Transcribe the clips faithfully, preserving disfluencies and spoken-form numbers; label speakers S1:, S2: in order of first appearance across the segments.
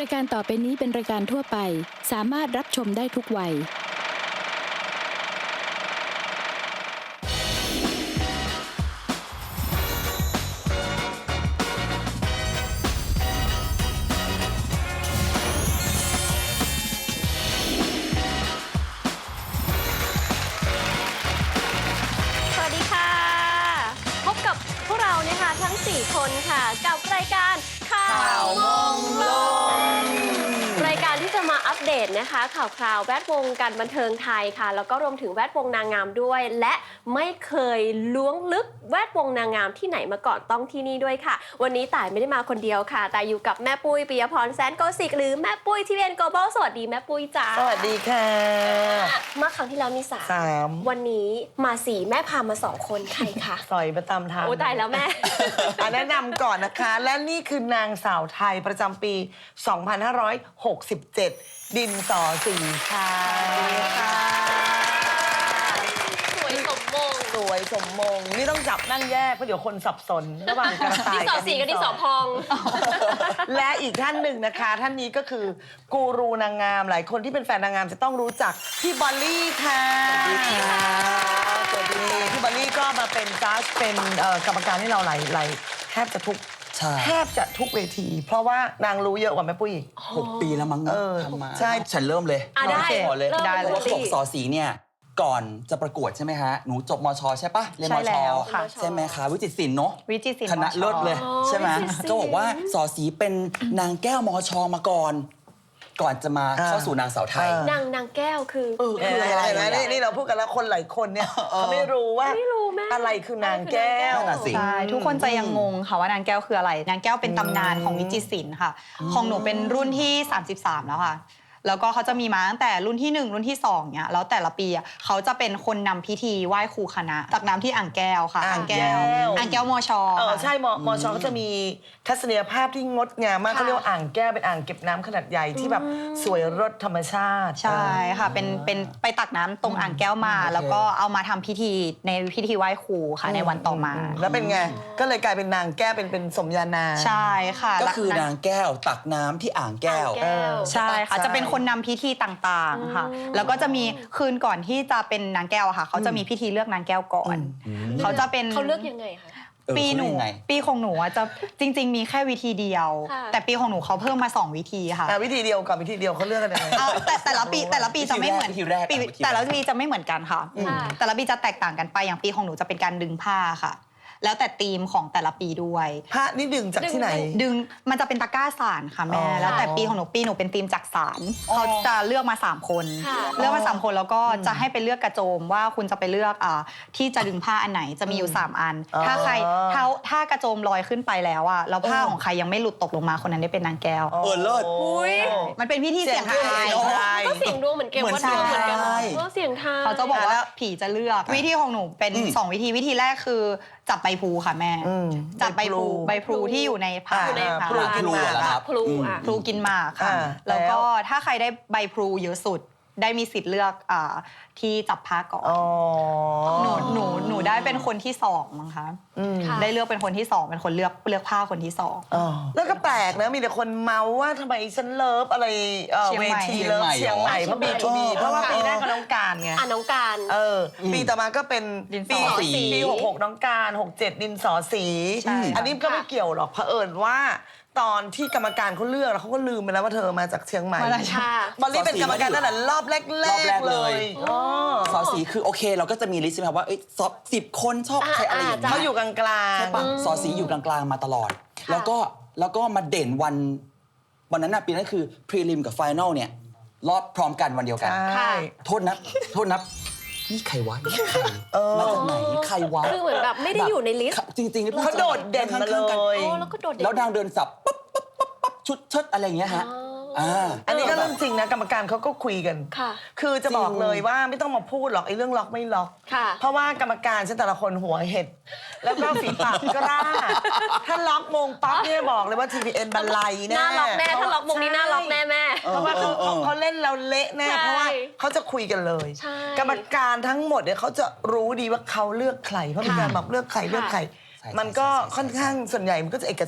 S1: ายการต่อไปนี้เป็นรายการทั่วไป สามารถรับชมได้ทุกวัย
S2: สวัสดีค่ะ พบกับพวกเราเนี่ยค่ะทั้งสี่คนค่ะกับรายการข่าวมงลงรายการที่จะมาอัปเดตนะคะข่าวคราวแวดวงการบันเทิงไทยค่ะแล้วก็รวมถึงแวดวงนางงามด้วย และไม่เคยล้วงลึกแวดวงนางงามที่ไหนมาก่อนต้องที่นี่ด้วยค่ะวันนี้ต่ายไม่ได้มาคนเดียวค่ะแต่อยู่กับแม่ปุ้ยปิยพรแสนโกสิกหรือแม่ปุ้ยทีวีเอ็นโกลบอลสวัสดีแม่ปุ้ยจ้า
S3: สวัสดีค่ะ
S2: เมื่อครั้งที่แล้วมีสาม
S3: สาม
S2: วันนี้มาสี่แม่พามาสองคนใครคะ
S3: สอยมาตามทาง
S2: โอ้ตายแล้วแม่
S3: อ่ะแนะนำก่อนนะคะ และนี่คือนางสาวไทยประจำปี สองพันห้าร้อยหกสิบเจ็ด ดินสอสีค่ะค่ะ
S2: สวยสมมง
S3: สวยสมมง นี่ต้องจับนั่งแยกเพราะเดี๋ยวคนสับสน ระหว่างกระต่าย
S2: ดินสอสีกับดินสอพอง
S3: และอีกท่านหนึ่งนะคะ ท่านนี้ก็คือกูรูนางงาม หลายคนที่เป็นแฟนนางงามจะต้องรู้จักพี่บอลลี่ค่ะสวัสดีค่ะสวัสดีพี่บอลลี่ก็มาเป็นจัดเป็นเอ่อกรรมการให้เราหลายหลายแทบจะทุก
S4: ใช่
S3: แทบจะทุกเวที เพราะว่านางรู้เยอะกว่าแม่ปุ้ยอีก
S4: หกปีแล้วมั้ง
S3: เอ
S4: นะ
S3: อ
S4: ทำมา
S3: ใช่
S4: ฉันเริ่มเลย
S2: อ่ะได้
S4: ขอเลย
S2: เริ่ม
S4: ได้เลย
S2: เลย
S4: ว่าเขาบอกสอสีเนี่ยก่อนจะประกวดใช่ไหมฮะหนูจบมชใช่ปะเรียนม
S5: ใช่
S4: ช
S5: แล้วค่ะ
S4: ใช่ไหมคะวิจิตรศิลป์เนาะ
S5: วิจิตรศิลป์
S4: คณะ
S5: มช
S4: เลิศเลย
S2: อ๋อ
S4: ใช่ไหม
S2: วิจิตรศิลป์
S4: ก็บอกว่าสอสีเป็นนางแก้วมชมาก่อน ก่อนจะมา
S3: อ่า
S4: เข้าสู่นางสาวไทย
S3: เออ
S2: นางนางแก้วคือ
S4: เออ
S3: เห็นไหมเห็นไหมนี่นี่เราพูดกันแล้วคนหลายคนเนี่ยเขาไม่รู้ว่า
S2: ไม่รู้แม่
S3: อะไรคือนางแก้ว
S4: นั่นน่ะสิ
S5: ใช่ทุกคนจะยังงงค่ะว่านางแก้วคืออะไร นางแก้วเป็นตำนานของวิจิตรศิลป์ค่ะ ของหนูเป็นรุ่นที่ สามสิบสาม แล้วค่ะ แล้วก็เขาจะมีมาตั้งแต่รุ่นที่หนึ่งรุ่นที่สองเนี่ยแล้วแต่ละปีอ่ะเขาจะเป็นคนนำพิธีไหว้ครูคณะตักน้ำที่อ่างแก้วค่ะ
S3: อ่างแก้ว
S5: อ่างแก้วมช
S3: เออ
S5: ค่ะ
S3: ใช่มมชเขาจะมีทัศนียภาพที่งดงามมาก
S2: ค่ะ
S3: เขาเรียกว่าอ่างแก้วเป็นอ่างเก็บน้ำขนาดใหญ่ที่แบบสวยรสธรรมชาติ
S5: ใช่ค่ะเป็นเป็นไปตักน้ำตรงอ่างแก้วมา
S4: โอเค
S5: แล้วก็เอามาทำพิธีในพิธีไหว้ครูค่ะในวันต่อมา
S3: แล้วเป็นไง ก็เลยกลายเป็นนางแก้วเป็นเป็นสมญานาม
S5: ใช่ค่ะ
S4: ก็คือนาง
S5: และ
S4: แก้วตักน้ำที่อ่างแก้ว
S2: อ่างแก้ว
S5: ใช่ค่ะ
S3: ใช่
S5: จะเป็นคนนำพิธีต่างๆค่ะ แล้วก็จะมีคืนก่อนที่จะเป็นนางแก้วอะค่ะ เขาจะมีพิธีเลือกนางแก้วก่อน เขาจะเป็น
S2: เขาเลือกยังไงคะ
S4: เออ
S5: ปีหนู
S4: เขาเลือกยังไง
S5: ปีของหนูอะจะจริง ๆ มีแค่วิธีเดียว
S2: ค่ะ
S5: แต่ปีของหนูเขาเพิ่มมาสองวิธีค่ะ
S3: อ่ะวิธีเดียวกับวิธีเดียวเขาเลือกกันยังไง
S5: เอาแต่แต่ละปีแต่ละปีจะไม่เหมือน
S4: วิธีแรก
S5: ปี
S4: วิธีแรก
S5: แต่ละปีจะไม่เหมือนกันค่ะ
S2: ค่ะ
S5: แต่ละปีจะแตกต่างกันไปอย่างปีของหนูจะเป็นการดึงผ้าค่ะ แล้วแต่ธีมของแต่ละปีด้วย
S3: พระนี่ดึงจากที่ไหน
S5: ดึงมันจะเป็นตะกร้าสารค่ะแม่
S3: อ๋อ
S5: แล้วแต่ปีของหนูปีหนูเป็นธีมจากสาร
S3: อ๋อ
S5: เขาจะเลือกมาสามคน
S2: ค่ะ
S5: เลือกมาสามคนแล้วก็จะให้ไปเลือกกระโจมว่าคุณจะไปเลือกอ่าที่จะดึงผ้าอันไหนจะมีอยู่สามอัน
S3: อ๋อ
S5: ถ้าใครถ้าถ้ากระโจมลอยขึ้นไปแล้วอ่ะแล้วผ้าของใครยังไม่หลุดตกลงมาคนนั้นได้เป็นนางแก้ว
S4: เออเลิศ
S2: อุ๊ย
S5: มันเป็นพิธีเสี่ยงทาย
S3: เสี่ยงทาย
S2: ก็เสียงดวงเหมือนเกม
S4: เหมือน
S2: วัดดวงเหมือนกัน
S4: ใช่
S2: เออเสียงทาย
S5: เขาจะบอก
S3: อ่ะแล้
S5: ว่าว ผีจะเลือกวิธีของหนูเป็น
S4: อืม
S5: สองวิธีวิธีแรกคือจับใบพลูค่ะแม่
S3: อืม
S5: จับใบพลู
S3: ใบ
S5: ใบ
S3: พ
S5: พ
S3: ลู
S5: ลูที่อยู่ในผ้า
S3: อยู่ใน
S5: ค่ะ
S3: พลูกินหมาก
S4: เหรอครับ
S2: พลูอ่ะ
S5: พลูกินหมากค่ะ
S3: อ่า
S5: แล้วก็
S3: แล้ว
S5: ถ้าใครได้ใบพลูเยอะสุด ได้มีสิทธิ์เลือกอ่าที่จับผ้าก่อน
S3: อ๋อ
S5: หนูหนูหนูได้เป็นคนที่สองมั้งคะ
S3: อืม
S2: ค่ะ
S5: ได้เลือกเป็นคนที่สองเป็นคนเลือกเลือกผ้าคนที่สอง
S3: อ๋อแล้วก็แปลกนะมีแต่คนเมาว่าทำไมฉันเลิฟอะไรเอ่อ
S5: เชียง
S3: เว
S5: ใหม่
S3: ทีเลิฟ
S4: เชี
S3: เชีย
S4: ย
S3: ง
S4: ง
S3: ให
S4: ใหม่
S3: ม่เพราะบีทูบีเพราะว่าปีแรกก็น้องการไง
S2: อ่ะน้องการ
S3: เอออ
S4: ม
S3: ปีต่อมาก็เป็น
S5: ดินสอ
S3: ปี
S4: สี
S3: ปีหกหกน้องการหกเจ็ดดินสอสี
S5: ใช่ค่ะ
S3: อันนี้ก็ไม่เกี่ยวหรอกเผอิญว่า ตอนที่กรรมการเขาเลือกแล้วเขาก็ลืมไปแล้วว่าเธอมาจากเชียงใหม่
S5: มาจาก
S2: ค่ะ
S3: บอลลี่เป็นกรรมการตั้งแต่รอบแรก
S4: รอบแรก
S3: ๆ
S4: เล
S3: เลย ยอ๋อ
S4: สอสีคือโอเคเราก็จะมีลิสต์ใช่ไหมครับว่าเอ้ยสอบสิบคนชอบใครอะไรอย่างเงี้ย
S3: เขาอยู่กลางกลาง
S4: ใช่ปะสอสีอยู่กลางๆมาตลอด แล้วก็แล้วก็มาเด่นวันวันนั้นน่ะปีนั้นคือพรีลิมกับไฟแนลเนี่ยรอบพร้อมกันวันเดียวกัน
S3: ใช่
S4: โทษนะโทษนะนี่ใครวะนี่ใครมาจากไหนใครวะ
S2: คือเหมือนแบบไม่ได้อยู่ในลิสต์
S4: จริงๆ
S3: เขาโดดเด่นมาเลย
S2: โอ้แล้วก็โดดเด่น
S4: แล้วนางเดินสับปั๊บปั๊บปั๊บปั๊บชุดเชิดอะไรอย่างเงี้ยฮะ
S2: อ๋ออ่
S4: อ่า
S3: อันนี้ก็เรื่องจริงนะกรรมการเขาก็คุยกัน
S2: ค่ะ
S3: คือจะบอก
S4: จริง
S3: เลยว่าไม่ต้องมาพูดหรอกไอ้เรื่องล็อกไม่ล็อก
S2: ค่ะ
S3: เพราะว่ากรรมการฉันแต่ละคนหัวเห็ด แล้วก็ฝีปากกล้า ถ้าล็อกมงปั๊บเนี่ยบอกเลยว่า ที พี เอ็น บันไลแน่
S2: หน้าล็อกแน่ถ้าล็อกวงนี้หน้าล็อกแน่แม่
S3: เพราะว่าเขาเขาเขาเล่นเราเละแน่
S2: ใช่
S3: เพราะว่าเขาจะคุยกันเลย
S2: ใช่
S3: กรรมการทั้งหมดเนี่ยเขาจะรู้ดีว่าเขาเลือกใครเพราะมีการบอกเลือกใครเลือกใคร
S4: ใช่
S3: มันก็
S4: ใช่ใช่
S3: ค่อนข้างส่วนใหญ่มันก็จะเอกฉันท์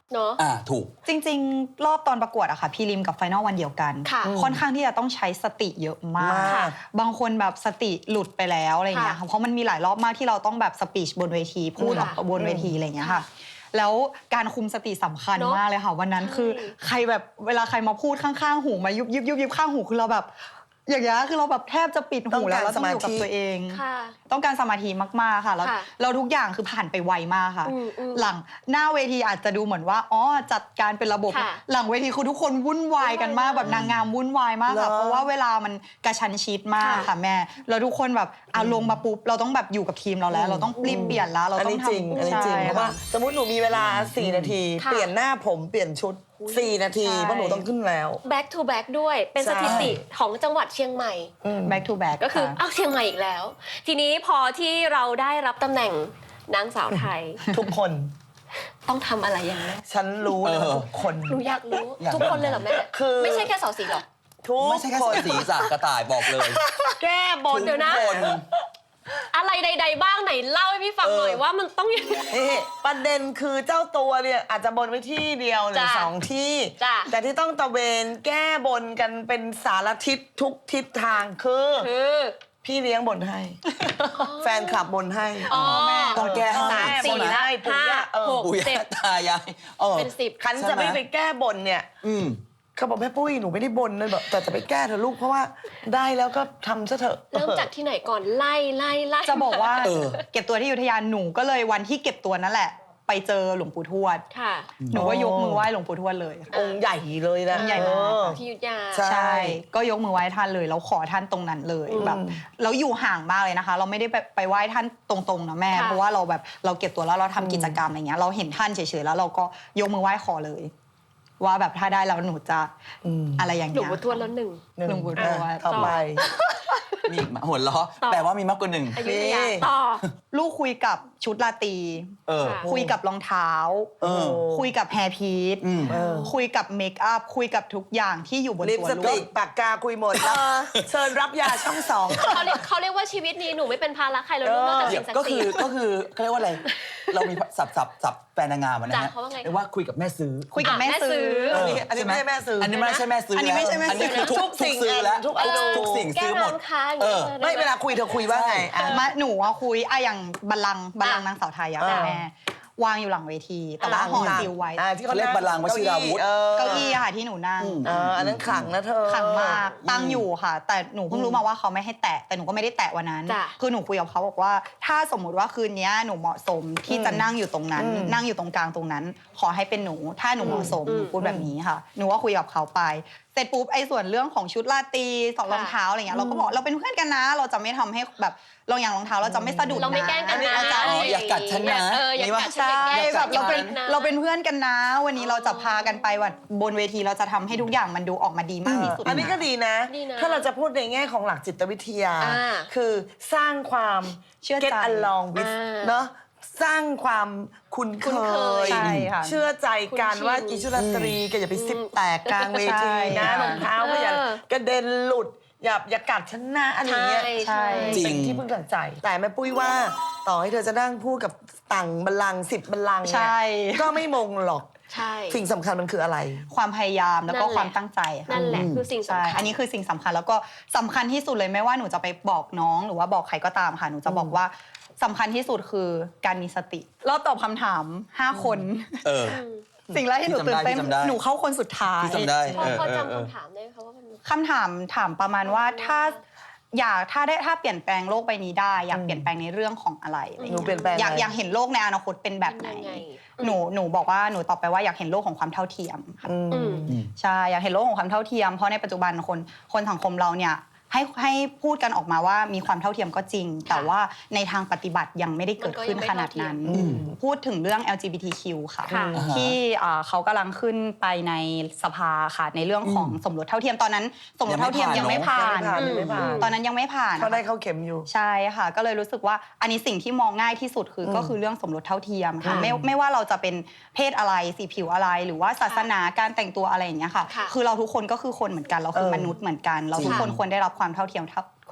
S2: เนาะ
S4: อ่าถูก
S5: จริงๆ รอบตอนประกวดอะค่ะพรีลิมกับไฟนอลวันเดียวกัน
S2: ค่ะ
S5: ค่อนข้างที่จะต้องใช้สติเยอะมาก
S3: มาก
S5: บางคนแบบสติหลุดไปแล้วอะไรอย่างเงี้ย
S2: ค่ะ
S5: ค่ะเพราะมันมีหลายรอบมากที่เราต้องแบบสปีชบนเวทีพูดออก
S2: ค่ะ
S5: บนเวทีอะไรอย่างเงี้ยค่ะ แล้วการคุมสติสำคัญ
S2: เนอะ
S5: มากเลยค่ะ วันนั้น
S2: ใช่
S5: คือใครแบบเวลาใครมาพูดข้างๆหูมายุบยุบยุบยุบข้างหูคือเราแบบ อย่างเงี้ยคือเราแบบแทบจะปิด
S3: ต้
S5: หู
S3: อง
S5: แล้
S3: กาว ร
S5: เราต้องอยู่กับ
S3: สมาธิ
S5: ตัวเอง
S2: ค่ะ
S5: ต้องการสมาธิมากๆค่ะแล้ว
S2: ค่ะ
S5: เราทุกอย่างคือผ่านไปไวมากค่ะ
S2: อืมอืม
S5: หลังหน้าเวทีอาจจะดูเหมือนว่าอ๋อจัดการเป็นระบบ
S2: ค่ะ
S5: หลังเวทีคือทุกคนวุ่นวายกันมาก
S2: วุ่นวาย
S5: แบบนางงามวุ่นวายมากค่ะ
S3: เหรอ
S5: เพราะว่าเวลามันกระชั้นชิดมาก
S2: ค่ะ
S5: ค่ะแม่แล้วทุกคนแบบเอาลงมาปุ๊บเราต้องแบบอยู่กับทีมเราแล้ว เราต้องรีบเปลี่ยนแล้วเรา
S3: อัน
S5: ต้อ
S3: นี้
S5: ง
S3: จริง
S5: ทำ
S3: อันนี้จริง
S5: ใช่
S3: เพราะว่า
S5: ค่ะ
S3: สมมติหนูมีเวลาสี่นาที
S2: ค่ะ
S3: เปลี่ยนหน้าผมเปลี่ยนชุดสี่นาที
S5: ใช่
S3: เพราะหนูต้องขึ้นแล้ว
S2: back to back ด้วยเป็น
S3: ใช่
S2: สถิติของจังหวัดเชียงใหม่
S5: back to back
S2: ก็คือ
S5: ค่ะ
S2: อ้าวเชียงใหม่อีกแล้ว ทีนี้พอที่เราได้รับตำแหน่งนางสาวไทย
S3: ทุกคน
S2: ต้องทำอะไรอย่างไร
S3: ฉันรู้เลยว่า
S4: เออ
S3: ทุกคน
S2: หนูอยากรู้
S4: อยาก
S2: ทุกคนเลยเหรอแม่
S3: คือ
S2: ไม่ใช่แค่สาวสีหรอก
S3: ทุก
S4: ไม่ใช่แค่
S3: คน
S4: สีสักกระต่ายบอกเลย
S3: แก้บน
S2: เดี๋ยวนะ
S4: ทุกคน
S2: อะไรใด ๆ บ้างไหนเล่าให้พี่ฟังหน่อยว่ามันต้องยังไง
S3: นี่ประเด็นคือเจ้าตัวเนี่ยอาจจะบนไว้ที่เดียวหรือ
S2: จ้ะ
S3: สองที่
S2: จ้ะ
S3: แต่ที่ต้องตะเวนแก้บนกันเป็นสารทิศทุกทิศทางคือ
S2: คือ
S3: พี่เลี้ยงบนให้ แฟนคลับบนให้
S2: อ๋อ
S4: ต้องแก้ให้
S2: สาม
S3: แม่
S2: สี่
S3: บน
S2: ละ
S3: ให้ปู่
S2: ห้า
S3: ย่าเออ
S2: หก
S4: ปู่
S2: เจ็
S4: ย่า
S2: ด
S4: ตายายเออ
S2: เป็นสิบ
S3: คันจะไม่ไปแก้บนเนี่ย
S4: อืม
S3: เขาบอกแม่ปุ้ยหนูไม่ได้บนเลยแบบแต่จะไปแก้เถอะลูกเพราะว่าได้แล้วก็ทำซะเถอะ
S2: เริ่มจากที่ไหนก่อนไล่ไล่ไล่
S5: จะบอกว่า
S4: เออ
S5: เก็บตัวที่อยุธยาหนูก็เลยวันที่เก็บตัวนั่นแหละ ไปเจอหลวงปู่ทวด
S2: ค่ะ
S5: หนูก็ยกมือไหว้หลวงปู่ทวดเลยค่ะ
S3: องค์ใหญ่เลยนะ
S5: องค์ใหญ่มาก
S3: เออ
S2: ที่อยุธยา
S3: ใช่
S5: ใช่ ก็ยกมือไหว้ท่านเลยแล้วขอท่านตรงนั้นเลย
S3: อืม
S5: แบบแล้วอยู่ห่างมากเลยนะคะ เราไม่ได้ไปไปไหว้ท่านตรงๆนะแม่
S2: ค่ะ
S5: เพราะว่าเราแบบเราเก็บตัวแล้วเราทำกิจกรรมอะไรเงี้ยเราเห็นท่านเฉยๆแล้วเราก็ยกมือไหว้ขอเลย ว่าแบบถ้าได้แล้วหนูจะ
S3: อืม
S5: อะไรอย่าง
S2: หลว
S5: เงี้
S2: ง
S5: ย
S2: ปู่ทวดแล้วหนึ่ง
S5: หลวงปู่ทวด
S3: อ่ะต่อไป
S4: นี่หัวเราะ
S2: ต่อ
S4: แปลว่ามีมากกว่าหนึ่ง
S2: อยุธยา
S3: นี่
S2: ต่อ
S5: ลูกคุยกับชุดราตรี
S4: เออ
S2: ค่ะ
S5: คุยกับรองเท้า
S4: เออ
S5: คุยกับแฮร์พีท
S4: อืม
S3: เออ
S5: คุยกับเมคอัพคุยกับทุกอย่างที่อยู่บน
S3: ลิป
S5: ตัว
S3: ส
S5: ลู
S3: ติ
S5: ก
S3: กปากกาคุยหมดแล้วเชิญรับยาช่องสอง
S2: เขาเรียกเขาเรียกว่าชีวิตนี้หนูไม่เป็นภาระใครแล้วลูกนอกจาก
S4: เดี๋
S2: สิ่
S4: ยว
S2: งศัก
S4: ก็
S2: ดิ์สิ
S4: คือ
S2: ทธิ์
S4: ก็คือเขาเรียกว่าอะไร เรามีสับสับสับแฟนนางงามอะนะ
S2: จ้ะ
S4: ฮะ
S2: เขาว่าไง
S4: เรียกว่าคุยกับแม่ซื้อ
S5: คุยกับแม่
S2: อ่ะแม่ซื้
S5: ซื้อ
S2: อ
S3: อันนี้อันนี้ไม่ใช่แม่ซื้ออั
S4: อันนี้ไม่ใช่แม่ซื้อ
S5: อันนี้ไม่ใช่แม่ซื้อ
S4: อันนี้คือทุก
S3: ทุกสิ่ง
S4: ซื้อแล้ว
S3: ทุกอนู
S4: ทุกสิ่ง
S2: แก้
S4: ซื้อหมด
S2: น้ำค้าง
S4: เออ
S3: ไม่เวลาคุยเธอคุยว่าไงอ่ะ
S5: มาหนูอะคุยอะอย่างบัลลังก์บัลลังก์
S2: อ่ะ
S5: นางสาวไทยอะ
S3: อ่า
S5: แม่วางอยู่หลังเวที แต่ว่า
S3: อ่า
S5: ห่อซิลไว้
S3: อ่าที่
S4: เขาเรียกบัลลังก์วชิราวุธ
S3: เออ
S5: เก้าอี้อะค่ะที่หนูนั่ง
S4: อืม
S3: เอออันนั้นขลังนะเธอ
S5: ขังมากตั้งอยู่ค่ะ แต่หนูเพิ่งรู้มาว่าเขาไม่ให้แตะแต่หนูก็ไม่ได้แตะวันนั้น
S2: จ้ะ
S5: คือหนูคุยกับเขาบอกว่า ถ้าสมมุติว่าคืนนี้หนูเหมาะสมที่จะนั่งอยู่ตรงนั้น
S3: อืม
S5: นั่งอยู่ตรงกลางตรงนั้น ขอให้เป็นหนู ถ้าหนูเหมาะสม
S2: อืม
S5: หนูพูดแบบนี้ค่ะ หนูก็คุยกับเขาไปเสร็จปุ๊บไอ้ส่วนเรื่องของชุดราตรีสองรองเท้าอะไรเงี้ยเราก็บอกเราเป็นเพื่อนกันนะ เราจะไม่ทำให้แบบเราอย่างรองเท้าเราจะไม่สะดุดนะ
S2: เราไม่แกล้งกันนะ
S5: เราจะ
S4: อ๋ออย่ากัดฉันนะ
S2: เอออย่า
S4: นี่วะ
S2: กัดฉัน
S5: ใช่
S2: อย่า
S5: แบ
S2: กัด
S5: บเราเป็น
S2: อย่ากัดะ
S5: เราเป็นเพื่อนกันนะ วันนี้เราจะพากันไปวันบนเวทีเราจะทำให้ทุกอย่างมันดูออกมาดีมากที่สุด
S3: อันนี้ก็ดีนะ
S2: ดีนะ
S3: ถ้าเราจะพูดในแง่ของหลักจิตวิทยา
S2: อ่า
S3: คือสร้างความ
S5: เชื่อใจ
S3: get along with
S2: อ่า
S3: เนาะสร้างความคุ้นเค
S2: คุ้นเคย
S3: ย
S5: ใช่ค่ะ
S3: เชื่อใจกัน
S2: คุ้นชิน
S3: ว่าอิชุราตรีแกอย่าไปซิบแตกกลางเวทีนะ
S5: ใช่
S3: รองเท้าก็อย่า
S2: เออ
S3: กระเด็นหลุด อย่าอย่ากัดฉันนะอะไรอย่างเงี้ย
S2: ใช่
S5: ใช่
S4: จริง
S3: เป็นที่พึ่งทางใจ แต่แม่ปุ้ยว่าต่อให้เธอจะนั่งพูดกับต่างบัลลังก์สิบบัลลังก์
S5: ใช่
S3: เนี่ยก็ไม่มงหรอก
S2: ใช่
S3: สิ่งสำคัญมันคืออะไร
S5: ความพยายามแล้วก็
S2: นั่นแหละ
S5: ความตั้งใจค่ะ
S2: นั่นแหละคือสิ่ง
S5: ใช่
S2: สำคัญ
S5: อันนี้คือสิ่งสำคัญแล้วก็สำคัญที่สุดเลยไม่ว่าหนูจะไปบอกน้องหรือว่าบอกใครก็ตามค่ะหนูจะบอกว่าสำคัญที่สุดคือการมีสติรอบตอบคำถามห้าคน
S4: เออ
S5: สิ่งแรกที่หนูตื่นเต้น
S4: ที่จำได้
S5: หนูเข้าคนสุดท้าย
S4: ที่จำได้
S2: พอ
S4: เออ
S2: พอ
S4: เออเออ
S2: จำคำถามได้ไหมคะว่ามัน
S5: คำถามถามประมาณว่าถ้าอยากถ้าได้ถ้าเปลี่ยนแปลงโลกใบนี้ได้ อยากเปลี่ยนแปลงในเรื่องของอะไรอะไร
S3: หนู
S5: เงี้ย
S3: เปลี่ยนแปลง
S5: อยาก
S3: อะไร
S5: อยากเห็นโลกในอนาคตเป็นแบบไหน
S2: ยังไง
S5: หนูหนูบอกว่าหนูตอบไปว่าอยากเห็นโลกของความเท่าเทียมค่ะ
S3: อืม
S2: อืม
S5: ใช่อยากเห็นโลกของความเท่าเทียมเพราะในปัจจุบันคนคนสังคมเราเนี่ยให้ให้พูดกันออกมาว่ามีความเท่าเทียมก็จริง แต่ว่าในทางปฏิบัติยังไม่ได้เกิดขึ้นขนาดนั้น
S3: อืม
S5: พูดถึงเรื่อง แอล จี บี ที คิว ค่ะ
S2: ค่ะ
S5: ที่อ่าเขากำลังขึ้นไปในสภาค่ะในเรื่องของสมรสเท่าเทียมตอนนั้น สมรสเท่าเทียม
S4: ยั
S5: ยัง
S4: งไม่
S5: ไม่
S4: ผ่า
S5: ผ่าน น
S3: ยังไม่ผ่าน
S5: ตอนนั้นยังไม่ผ่าน
S3: เขาได้เข้าเข็มอยู่
S5: ใช่ค่ะ ก็เลยรู้สึกว่าอันนี้สิ่งที่มองง่ายที่สุดคืออ
S3: ม
S5: ก็คือเรื่องสมรสเท่าเทียมค่ะ
S3: อืม
S5: ไม่ไม่ว่าเราจะเป็นเพศอะไรสีผิวอะไร หรือว่าศาสนาการแต่งตัวอะไรอย่างเงี้ยค่ะ
S2: ค่ะ
S5: คือเราทุกคนก็คือคนเหมือนกันเราคือ
S3: เออ
S5: มนุษย์เหมือนกัน เราทุกคน
S2: ค่ะ
S5: ควรได้รับความเท่าเทียมเท่า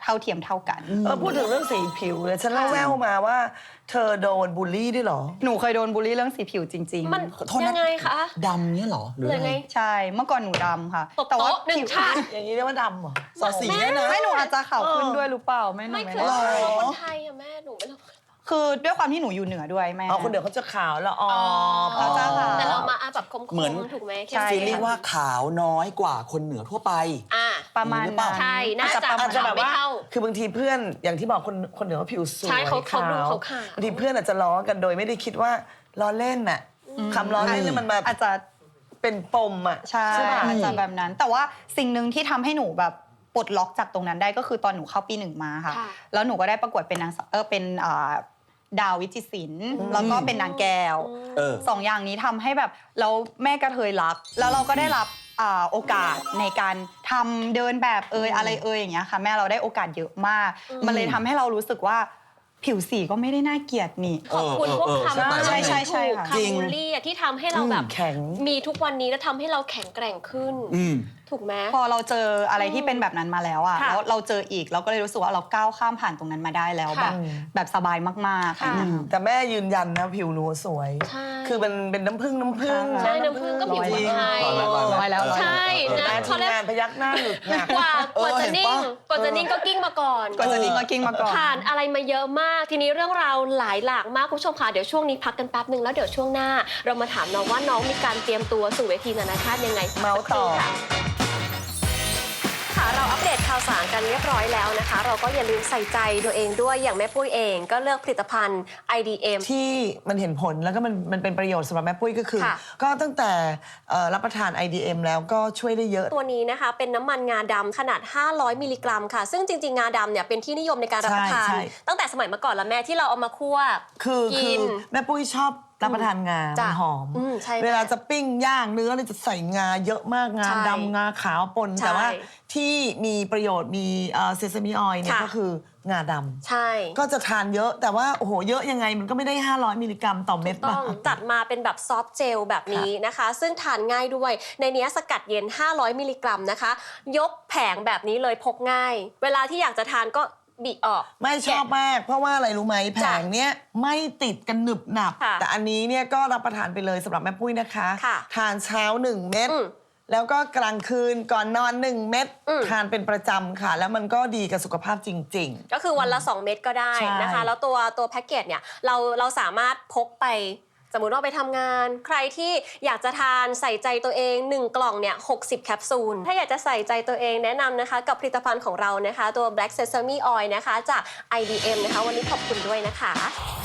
S5: เท่าเทียมเท่ากัน
S3: เออพูดถึงเรื่องสีผิวเลยฉันเล่าแววมาว่า เธอโดนบูลลี่ด้วยเหรอ
S5: หนูเคยโดนบูลลี่เรื่องสีผิวจริงๆ
S2: มัน
S4: โทษนะ
S2: ยังไงคะ
S4: ดำเนี่ยเหรอหรือ
S2: หรือ
S4: อะไร
S2: ไง
S5: ใช่เมื่อก่อนหนูดำค่ะ
S2: ตบโต๊ะหนึ่ง
S5: ผิว
S2: ชาติ
S3: อย่างนี้เรียกว่าดำเหรอ
S4: สอสีเนี่ยนะ
S5: ไม่หนูอาจจะขาวขึ้น
S3: เออ
S5: ด้วยหรือเปล่าไม่หนู
S2: ไม่
S5: ไม่
S2: เค
S5: แน่
S2: ย
S5: ใจ
S2: รู้คนไทยอะแม่หนูไม่รู้
S5: คือด้วยความที่หนูอยู่เหนือด้วยแม่
S3: อ๋อคนเดียวเขาจะขาวแล้วอ๋อ
S5: เขาจะขาว
S2: แต่เรามาอาแบบคมๆ
S4: เหมือน
S2: ถูกไหม
S5: ใช่
S4: ฟีลลิ่งว่าขาวน้อยกว่าคนเหนือทั่วไป
S2: อ่า
S5: ประมาณ
S4: หรือเปล่า
S5: นั้น
S2: ใช่น่าจะ
S3: อาจจะแบบว่า
S2: ไม่เท่า
S3: คือบางทีเพื่อนอย่างที่บอกคนคนเหนือเขาผิวสวย
S2: ใช่เขาเขาดู
S3: ขาว
S2: เขาขาว
S3: บางทีเพื่อนอาจจะล้อกันโดยไม่ได้คิดว่าล้อเล่นน่ะคำล้อเล่นเนี่ยมันมา
S5: อาจจะ
S3: เป็นปมอ่ะ
S5: ใช่
S3: ป่ะ
S5: อาจจะแบบนั้น แต่ว่าสิ่งหนึ่งที่ทำให้หนูแบบปลดล็อกจากตรงนั้นได้ก็คือตอนหนูเข้าปีหนึ่งมาค่ะ
S2: ค่ะ
S5: แล้วหนูก็ได้ประกวดเป็นนางสาวเออเป็นอ่าดาววิจิตรศิลป์แล้วก็เป็นนางแก้ว
S4: เออ
S5: สองอย่างนี้ทำให้แบบแล้วแม่กระเทยรัก แล้วเราก็ได้รับอ่าโอกาสในการทำเดินแบบเอยอะไรเอยอย่างเงี้ยค่ะแม่เราได้โอกาสเยอะมาก มันเลยทำให้เรารู้สึกว่าผิวสีก็ไม่ได้น่าเกลียดนี่
S2: ขอบคุณพวกคำ
S5: ใช่ใช่ใช่ค่ะ
S2: คำบูลลี่อะที่ทำให้เราแบบ
S3: แข็ง
S2: มีทุกวันนี้แล้วทำให้เราแข็งแกร่งขึ้น
S4: อืม
S2: ถูกไหม
S5: พอเราเจออะไรที่เป็นแบบนั้นมาแล้วอะ
S2: ค่ะ
S5: แล้วเราเจออีกเราก็เลยรู้สึกว่าเราก้าวข้ามผ่านตรงนั้นมาได้แล้ว
S2: ค่ะ
S5: แบบแบบสบายมากๆ
S2: ค่ะ
S5: อืม
S3: แต่แม่ยืนยันนะผิวหนูสวย
S2: ใช่
S3: คือมันเป็นน้ำผึ้งน้ำผึ้ง
S5: ใช่
S2: น้ำผึ้งก็ผิว
S5: ร้อย
S2: คนไทย
S4: ร้อยร้อยร้อย
S5: ร้อยแล้วร้อย
S2: ใช่
S3: เห็นไหม
S2: นะ
S3: ที
S2: เขา
S3: ม
S2: เรียก
S3: งานพยักหน้าหลุดหนัก
S2: กว่ากว่า
S4: เออ
S2: จะ
S4: เห็น
S2: นิ่ง
S4: ปะ
S2: กว่าจะนิ่งก็กิ้งมาก่อน
S5: ก่อนจะนิ่งก็กิ้งมาก่อน
S2: ผ่านอะไรมาเยอะมาก ทีนี้เรื่องราวหลายหลากมากคุณผู้ชมค่ะเดี๋ยวช่วงนี้พักกันแป๊บหนึ่งแล้วเดี๋ยวช่วงหน้า เรามาถามน้องว่าน้องมีการเตรียมตัวสู่เวทีนานาชาติยังไง
S3: เมาส์ต่อ
S2: สักครู่ค่ะค่ะเราอัปเดตข่าวสารกันเรียบร้อยแล้วนะคะ เราก็อย่าลืมใส่ใจตัวเองด้วยอย่างแม่ปุ้ยเองก็เลือกผลิตภัณฑ์ ไอ ดี เอ็ม
S3: ที่มันเห็นผลแล้วก็มันมันเป็นประโยชน์สำหรับแม่ปุ้ยก็คือ
S2: ค่ะ
S3: ก็ตั้งแต่เอ่อรับประทาน ไอ ดี เอ็ม แล้วก็ช่วยได้เยอะ
S2: ตัวนี้นะคะเป็นน้ำมันงาดำขนาด ห้าร้อย มิลลิกรัมค่ะ ซึ่งจริง ๆ งาดำเนี่ยเป็นที่นิยมในการรับประทาน
S3: ใช่ใช่
S2: ตั้งแต่สมัยเมื่อก่อนแล้วแม่ที่เราเอามาคั่ว
S3: คือคื
S2: กิ
S3: อน แม่ปุ้ยชอบรับประทานงา
S2: จ้ะ
S3: มันหอม
S2: อืมใช่
S3: เวลาจะปิ้งย่างเนื้อเนี่ยจะใส่งาเยอะมากงา
S2: ใช่
S3: ดำงาขาวปน
S2: ใช่
S3: แต่ว่าที่มีประโยชน์มีเซซามิออยล์เนี่ย
S2: ค่ะ
S3: ก็คืองาดำ
S2: ใช่
S3: ก็จะทานเยอะแต่ว่าโอ้โหเยอะยังไงมันก็ไม่ได้ ห้าร้อย มิลลิกรัมต่อเม็ด
S2: ต้
S3: ป่ะ
S2: องจัดมาเป็นแบบซอฟต์เจลแบบนี้นะคะ ซึ่งทานง่ายด้วย ในเนี้ยสกัดเย็น ห้าร้อย มิลลิกรัมนะคะ ยกแผงแบบนี้เลยพกง่าย เวลาที่อยากจะทานก็บิออก
S3: ไม่ชอบมาก เพราะว่าอะไรรู้ไหมแผ
S2: จ้ะ
S3: งเนี้ยไม่ติดกันหนึบหนับ
S2: ค่ะ
S3: แต่อันนี้เนี่ยก็รับประทานไปเลยสำหรับแม่ปุ้ยนะคะ
S2: ค่ะ
S3: ทานเช้าหนึ่งเม็ด
S2: อืม
S3: แล้วก็กลางคืนก่อนนอนหนึ่งเม็ด
S2: อืม
S3: ทานเป็นประจำค่ะ แล้วมันก็ดีกับสุขภาพจริง
S2: ก็คือวันละ สอง เม็ดก็ได้นะคะ
S3: ใช่
S2: แล้วตัวตัวแพ็กเกจเนี่ยเราเราสามารถพกไป สมมุติว่าไปทำงาน ใครที่อยากจะทานใส่ใจตัวเองหนึ่งกล่องเนี่ยหกสิบแคปซูลถ้าอยากจะใส่ใจตัวเองแนะนำนะคะ กับผลิตภัณฑ์ของเรานะคะ ตัว Black Sesame Oil นะคะจาก ไอ ดี เอ็ม นะคะ วันนี้ขอบคุณด้วยนะคะ